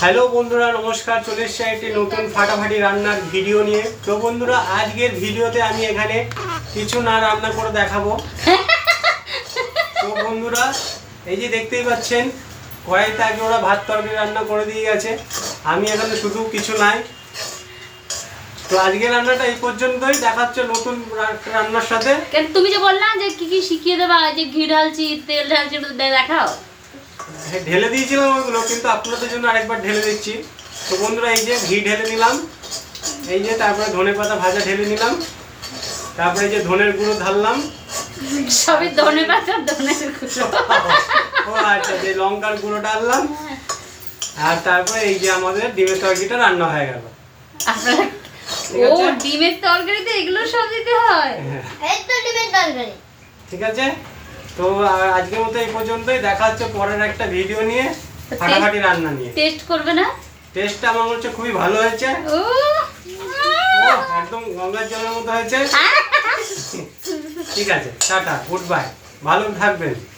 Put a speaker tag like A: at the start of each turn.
A: Hello বন্ধুরা, নমস্কার। চলে এসেছি একটি নতুন ফাটাফাটি রান্নার ভিডিও নিয়ে। তো বন্ধুরা, আজকের ভিডিওতে আমি এখানে কিছু না রান্না করে দেখাবো। তো বন্ধুরা, এই যে দেখতেই পাচ্ছেন, কড়াইতে আগে ওরা ভাত তরকারি রান্না করে দিয়ে গেছে। আমি এখানে শুধু কিছু নাই। তো আজকের রান্নাটা এই পর্যন্তই। দেখা হচ্ছে নতুন রান্নার সাথে।
B: তুমি যে বললা যে কি কি শিখিয়ে দেবা, যে ঘি ঢালছি, তেল ঢালছি, একটু দেখাও।
A: ঢেলে দিয়েছিলাম ওইগুলো, কিন্তু আপনাদের জন্য আরেকবার ঢেলে দিচ্ছি। তো বন্ধুরা, এই যে ঘি ঢেলে নিলাম, এই যে তারপরে ধনেপাতা ভাজা ঢেলে নিলাম, তারপরে এই যে ধনের গুঁড়ো ঢাললাম,
B: সবই ধনেপাতা ধনের গুঁড়ো।
A: ও আচ্ছা, যে লঙ্কার গুঁড়ো ডাললাম, আর তারপরে এই যে আমাদের ডিমের তরকারিটা রান্না হয়ে গেল।
B: আপনারা ও ডিমের তরকারিতে এগুলো সব দিতে হয়?
C: এই তো ডিমের তরকারি।
A: ঠিক আছে, তো আজকের মতো এই পর্যন্তই। দেখা হচ্ছে পরের একটা ভিডিও নিয়ে, ফাটাফাটি রান্না নিয়ে।
B: টেস্ট করবে না?
A: টেস্টটা আমার হচ্ছে খুবই ভালো হয়েছে।
B: ও
A: একদম গঙ্গার জলের মতো হয়েছে। ঠিক আছে, টাটা, গুড বাই, ভালো থাকবেন।